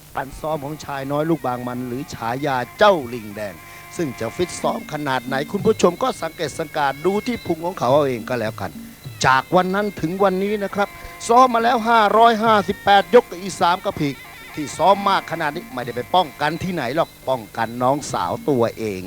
การซ้อมของชายน้อยลูกบางมันหรือฉายาเจ้าลิงแดงซึ่งจะฟิตซ้อมขนาดไหนคุณผู้ชมก็สังเกตสังการดูที่พุงของเขาเอาเองก็แล้วกันจากวันนั้นถึงวันนี้นะครับซ้อมมาแล้ว558ยกกับอี3กระพีกที่ซ้อมมากขนาดนี้ไม่ได้ไปป้องกันที่ไหนหรอกป้องกันน้องสาวตัวเอง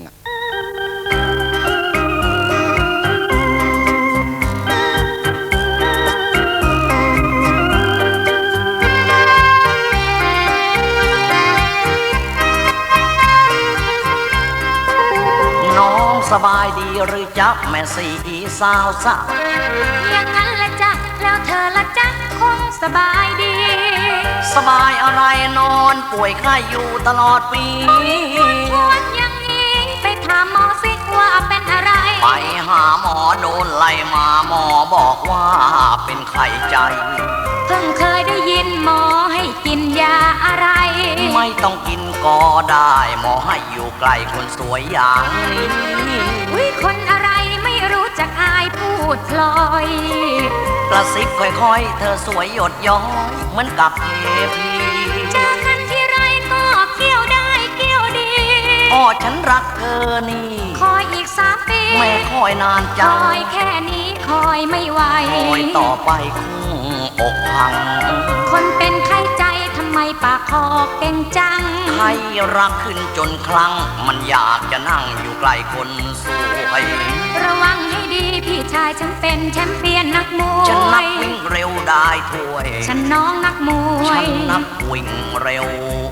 น้องสบายดีหรือจ๊ะแม่สีสาวสะอย่างนั้นละจ๊ะแล้วเธอละจ๊ะคงสบายดีสบายอะไรนอนป่วยไข้อยู่ตลอดปีปวดอย่างนี้ไปถามหมอสิว่าเป็นอะไรไปหาหมอโดนไล่มาหมอบอกว่าเป็นไข้ใจเพิ่งเคยได้ยินหมอให้กินยาอะไรไม่ต้องกินก็ได้หมอให้อยู่ใกล้คนสวยอย่างนี้อุ๊ยคนอะไรไม่รู้จักอายพูดพลอยกระซิบค่อยๆเธอสวยหยดย้อยเหมือนกับเทพีเจอกันที่ไรก็เกี่ยวได้เกี่ยวดีพ่อฉันรักเธอนี่คอยอีก3 ปีแม่คอยนานจังคอยแค่นี้คอยไม่ไหวคอยต่อไปคงอกพังคนเป็นไข้ใจทำไมปากคอเก่งจังใครรักขึ้นจนคลั่งมันอยากจะนั่งอยู่ใกล้คนสวยระวังให้ดีพี่ชายฉันเป็นแชมเปี้ยนนักมวยฉันนักวิ่งเร็วได้ถ้วยฉันน้องนักมวยฉันนักวิ่งเร็ว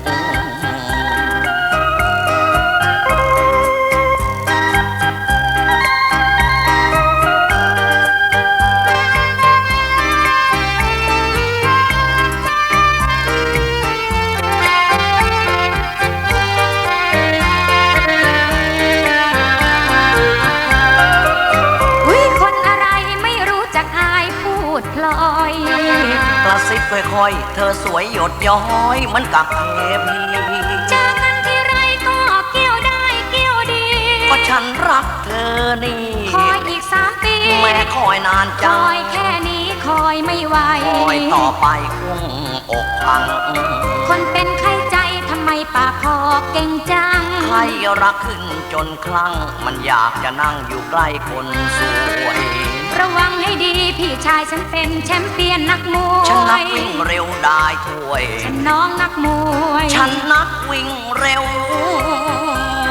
กระซิบค่อยๆเธอสวยหยดย้อยเหมือนกับเทพีเจอกันที่ไรก็เกี่ยวได้เกี่ยวดีก็ฉันรักเธอนี่คอยอีก3 ปีแม่คอยนานจังคอยแค่นี้คอยไม่ไหวคอยต่อไปคงอกพังคนเป็นไข้ใจทำไมปากคอเก่งจังใครรักขึ้นจนคลั่งมันอยากจะนั่งอยู่ใกล้คนสวยระวังให้ดีพี่ชายฉันเป็นแชมเปี้ยนนักมวยฉันนักวิ่งเร็วได้ถ้วยฉันน้องนักมวยฉันนักวิ่งเร็ว